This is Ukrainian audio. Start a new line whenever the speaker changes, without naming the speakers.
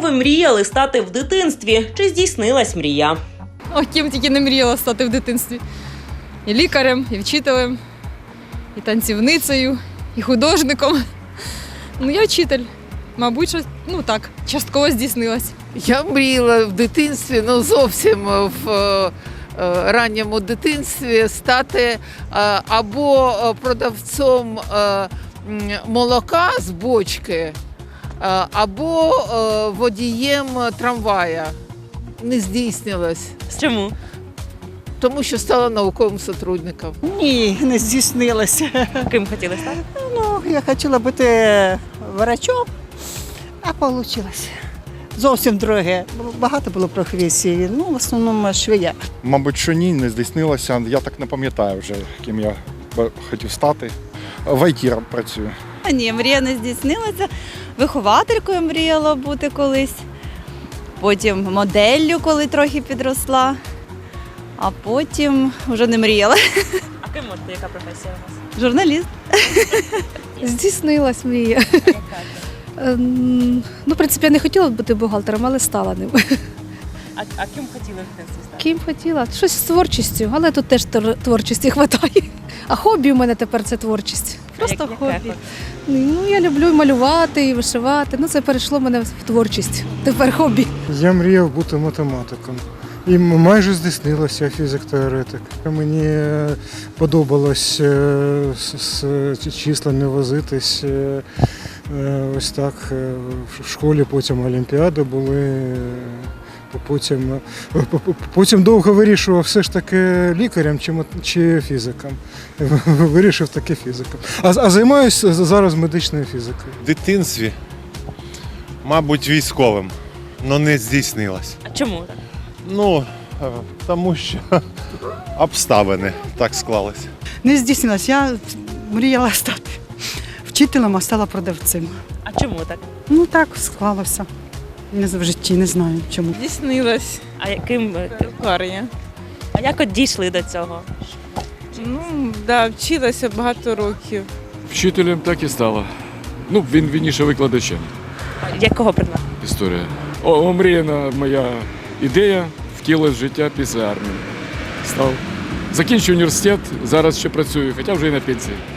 ви мріяли стати в дитинстві? Чи здійснилась мрія?
О, ким тільки не мріяла стати в дитинстві. І лікарем, і вчителем, і танцівницею, і художником. Ну, я вчитель. Мабуть, що, так, частково здійснилось.
Я мріяла в дитинстві, зовсім в ранньому дитинстві стати або продавцом молока з бочки, або водієм трамвая. Не здійснилось.
Чому?
Тому що стала науковим сотрудником.
Ні, не здійснилося.
Ким хотіли стати?
Я хотіла бути врачом, а вийшло. Зовсім друге. Багато було професій, в основному швея.
Мабуть, що ні, не здійснилося. Я так не пам'ятаю вже, ким я хотів стати. В ІТ працюю.
Ні, мрія не здійснилася. Вихователькою мріяла бути колись. Потім моделлю, коли трохи підросла. А потім вже не мріяла.
А ким можете, яка професія у вас?
Журналіст.
Здійснилась мрія. В принципі, я не хотіла бути бухгалтером, але стала ним.
А ким хотіли в дитинстві стати?
Ким хотіла? Щось з творчістю, але тут теж творчості вистачає. А хобі у мене тепер це творчість. Просто
Яке
хобі. Я люблю малювати і вишивати. Це перейшло в мене в творчість. Тепер хобі.
Я мріяв бути математиком. І майже здійснилося, я фізик-теоретик. Мені подобалось з числами возитись. Ось так. В школі потім олімпіади були. Потім довго вирішував все ж таки лікарем чи фізиком. Вирішив таки фізиком. А займаюся зараз медичною фізикою.
В дитинстві, мабуть, військовим, але не здійснилось.
А чому так?
Тому що обставини так склалися.
Не здійснилось. Я мріяла стати вчителем, а стала продавцем.
А чому так?
Так склалося. В житті не знаю чому.
Здійснилось.
А яким?
Лікарня.
А як от дійшли до цього?
Вчилася багато років.
Вчителем так і стала. Він вірніше викладачем.
Якого предмету?
Історія. Омріяна моя ідея втілилась в життя після армії. Закінчив університет, зараз ще працюю, хоча вже і на пенсії.